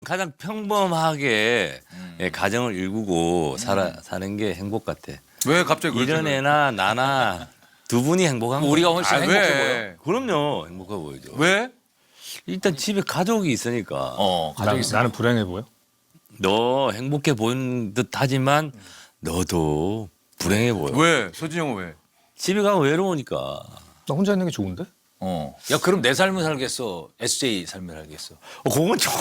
가장 평범하게 예, 가정을 일구고 사는 게 행복 같아. 왜 갑자기 그러지? 이런 애나 나나 두 분이 행복한 거. 우리가 훨씬 행복해 보여. 왜? 그럼요, 행복해 보이죠. 왜? 일단 집에 가족이 있으니까. 가족이 있어. 나는 불행해 보여? 너 행복해 보이는 듯하지만 너도 불행해 보여. 왜? 서진이 형은 왜? 집에 가면 외로우니까. 나 혼자 있는 게 좋은데? 야 그럼 내 삶을 살겠어. SJ 삶을 살겠어. 그건 조금.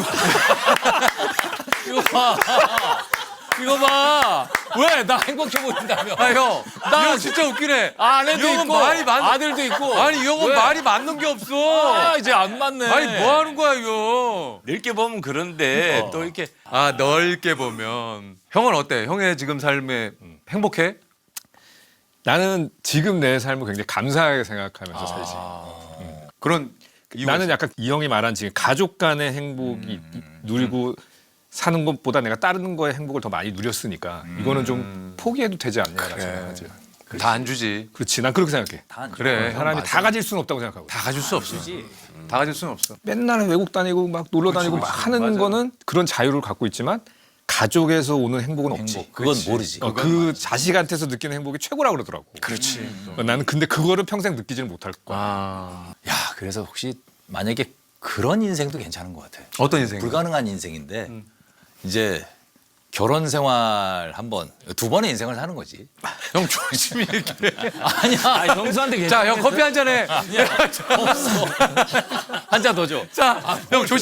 이거 봐. 이거 봐. 왜? 나 행복해 보인다며. 아 형, 나 나 진짜 웃기네. 아내도 이 형은 있고 말이 많- 아들도 있고. 아니 이 형은 왜? 말이 맞는 게 없어. 아 이제 안 맞네. 아니 뭐 하는 거야 이거? 넓게 보면 그런데 또 이렇게 아 넓게 보면 형은 어때? 형의 지금 삶에 행복해? 나는 지금 내 삶을 굉장히 감사하게 생각하면서 살지. 그런 이유가 나는 있어? 약간 이 형이 말한 지금 가족 간의 행복이 누리고 사는 것보다 내가 다른 거의 행복을 더 많이 누렸으니까 이거는 좀 포기해도 되지 않냐라고 생각하지. 다 안 주지. 그렇지, 난 그렇게 생각해. 그래. 형 사람이 맞아. 다 가질 수는 없다고 생각하고. 다 가질 수 없어. 다 가질 수는 없어. 맨날 외국 다니고 막 놀러 다니고 막 하는 맞아. 거는 그런 자유를 갖고 있지만 가족에서 오는 행복은 없지. 그건 모르지. 그 자식한테서 느끼는 행복이 최고라고 그러더라고. 그렇지. 나는 근데 그거를 평생 느끼지는 못할 거야. 아 야 그래서 혹시 만약에 그런 인생도 괜찮은 것 같아. 어떤 인생? 불가능한 인생인데 이제 결혼 생활 한 번, 두 번의 인생을 사는 거지. 형 조심히 얘기해. 아니야. 아니, 정수한테 자, 형 커피 한 잔 해. 한 잔 더 줘. 자, 형 조심.